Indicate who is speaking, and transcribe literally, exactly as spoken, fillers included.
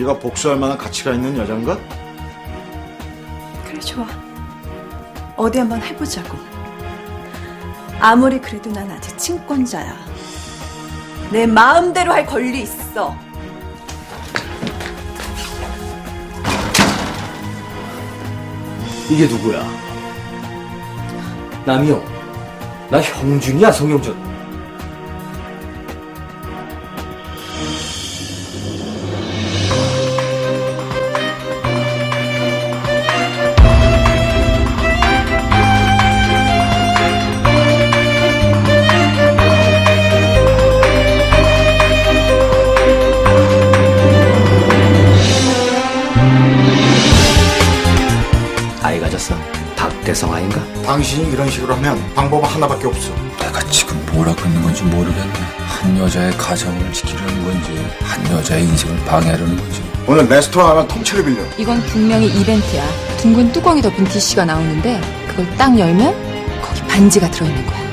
Speaker 1: 네가 복수할 만한 가치가 있는 여잔가?
Speaker 2: 그래, 좋아. 어디 한번 해보자고. 아무리 그래도 난 아직 친권자야. 내 마음대로 할 권리 있어.
Speaker 3: 이게 누구야? 남이요. 나 형준이야, 성형준. 아이 가졌어. 박대성 아인가?
Speaker 1: 당신이 이런 식으로 하면 방법은 하나밖에 없어.
Speaker 4: 내가 지금 뭘 하고 있는 건지 모르겠네. 한 여자의 가정을 지키려는 건지, 한 여자의 인생을 방해하려는 건지.
Speaker 1: 오늘 레스토랑 하나 통째로 빌려.
Speaker 5: 이건 분명히 이벤트야. 둥근 뚜껑이 덮인 디씨가 나오는데 그걸 딱 열면 거기 반지가 들어있는 거야.